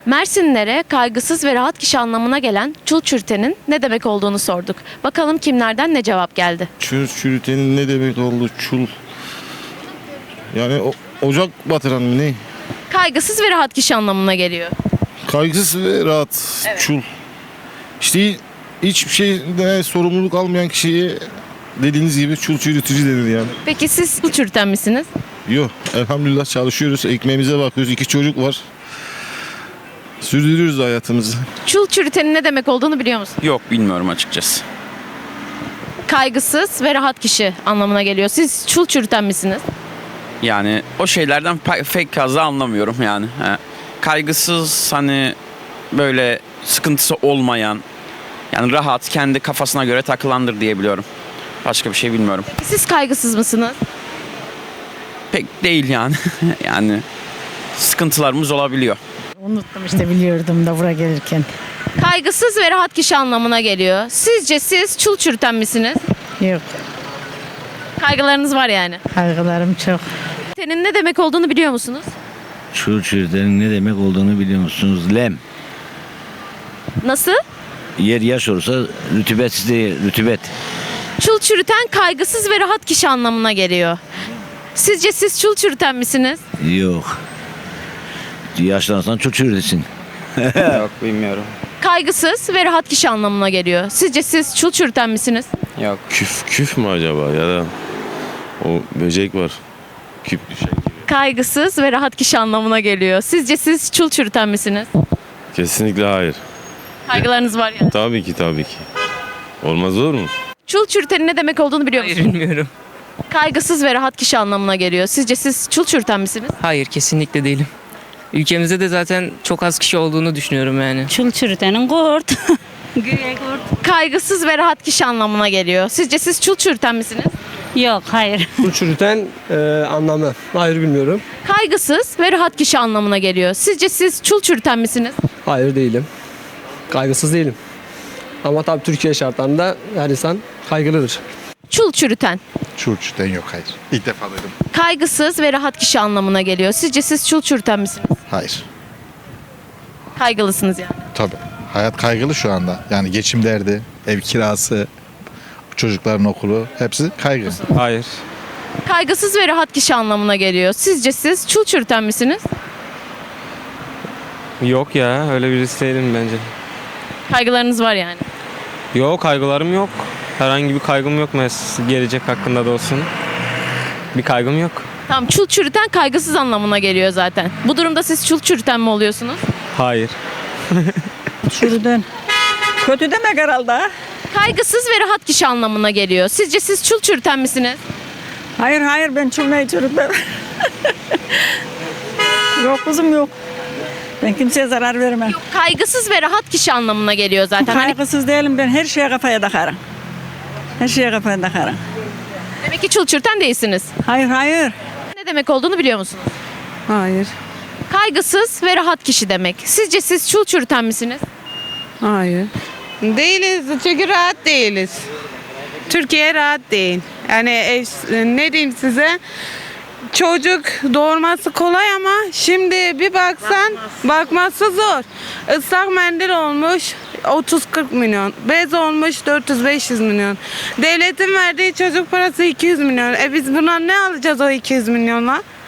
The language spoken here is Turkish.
Mersinlilere kaygısız ve rahat kişi anlamına gelen çul çürütenin ne demek olduğunu sorduk. Bakalım kimlerden ne cevap geldi? Çul çürütenin ne demek oldu? Çul. Yani ocak batıran mı ne? Kaygısız ve rahat kişi anlamına geliyor. Kaygısız ve rahat. Evet. Çul. İşte hiçbir şeyde sorumluluk almayan kişiye dediğiniz gibi çul çürütücü denir yani. Peki siz çul çürüten misiniz? Yok, elhamdülillah çalışıyoruz. Ekmeğimize bakıyoruz. 2 çocuk var. Sürdürüyoruz hayatımızı. Çul çürütenin ne demek olduğunu biliyor musun? Yok, bilmiyorum açıkçası. Kaygısız ve rahat kişi anlamına geliyor. Siz çul çürüten misiniz? Yani o şeylerden pek fazla anlamıyorum yani. Kaygısız, hani böyle sıkıntısı olmayan, yani rahat, kendi kafasına göre takılandır diye biliyorum. Başka bir şey bilmiyorum. Peki siz kaygısız mısınız? Pek değil yani. Yani sıkıntılarımız olabiliyor. Unuttum işte, biliyordum da buraya gelirken. Kaygısız ve rahat kişi anlamına geliyor. Sizce siz çul çürüten misiniz? Yok, Kaygılarınız var yani. kaygılarım çok. Çürütenin ne demek olduğunu biliyor musunuz? Çul çürütenin ne demek olduğunu biliyor musunuz? Lem. Nasıl? Yer yaş olursa rütübetsiz değil, rütübet. Çul çürüten kaygısız ve rahat kişi anlamına geliyor. Sizce siz çul çürüten misiniz? Yok. Yaşlanırsan çul çürütesin. Yok, bilmiyorum. Kaygısız ve rahat kişi anlamına geliyor. Sizce siz çul çürüten misiniz? Yok. Küf mü acaba ya da o böcek var. Küp düşen gibi. Kaygısız ve rahat kişi anlamına geliyor. Sizce siz çul çürüten misiniz? Kesinlikle hayır. Kaygılarınız var yani. Tabii ki tabii ki. Olmaz olur mu? Çul çürütenin ne demek olduğunu biliyor musunuz? Bilmiyorum. Kaygısız ve rahat kişi anlamına geliyor. Sizce siz çul çürüten misiniz? Hayır, kesinlikle değilim. Ülkemizde de zaten çok az kişi olduğunu düşünüyorum yani. Çul çürütenin kurt. Güye kurt. Kaygısız ve rahat kişi anlamına geliyor. Sizce siz çul çürüten misiniz? Yok, hayır. Çul çürüten anlamı. Hayır, bilmiyorum. Kaygısız ve rahat kişi anlamına geliyor. Sizce siz çul çürüten misiniz? Hayır, değilim. Kaygısız değilim. Ama tabii Türkiye şartlarında her insan kaygılıdır. Çul çürüten. Çul çürüten yok, hayır. İlk defa duydum. Kaygısız ve rahat kişi anlamına geliyor. Sizce siz çul çürüten misiniz? Hayır. Kaygılısınız yani. Tabii. Hayat kaygılı şu anda. Yani geçim derdi, ev kirası, çocukların okulu hepsi kaygı. Hayır. Kaygısız ve rahat kişi anlamına geliyor. Sizce siz çul çürüten misiniz? Yok ya, öyle birisi değilim bence. Kaygılarınız var yani. Yok, kaygılarım yok. Herhangi bir kaygım yok, gelecek hakkında da olsun. Bir kaygım yok. Tamam, çul çürüten kaygısız anlamına geliyor zaten. Bu durumda siz çul çürüten mi oluyorsunuz? Hayır. Çürüden. Kötü demek herhalde. Kaygısız ve rahat kişi anlamına geliyor. Sizce siz çul çürüten misiniz? Hayır, ben çulmayı çürütmem. Yok kızım, yok. Ben kimseye zarar vermem. Kaygısız ve rahat kişi anlamına geliyor zaten. Hani Kaygısız değilim, ben her şeye kafaya takarım. Her şeye kafaya takarım. demek ki çul çürüten değilsiniz. Hayır. Ne demek olduğunu biliyor musunuz? Hayır, Kaygısız ve rahat kişi demek. Sizce siz çul çürüten misiniz? hayır. Değiliz çünkü rahat değiliz. Türkiye rahat değil. Yani ne diyeyim size? Çocuk doğurması kolay ama şimdi bir baksan bakması zor. Islak mendil olmuş 30-40 milyon. Bez olmuş 400-500 milyon. Devletin verdiği çocuk parası 200 milyon. Biz buna ne alacağız o 200 milyonla?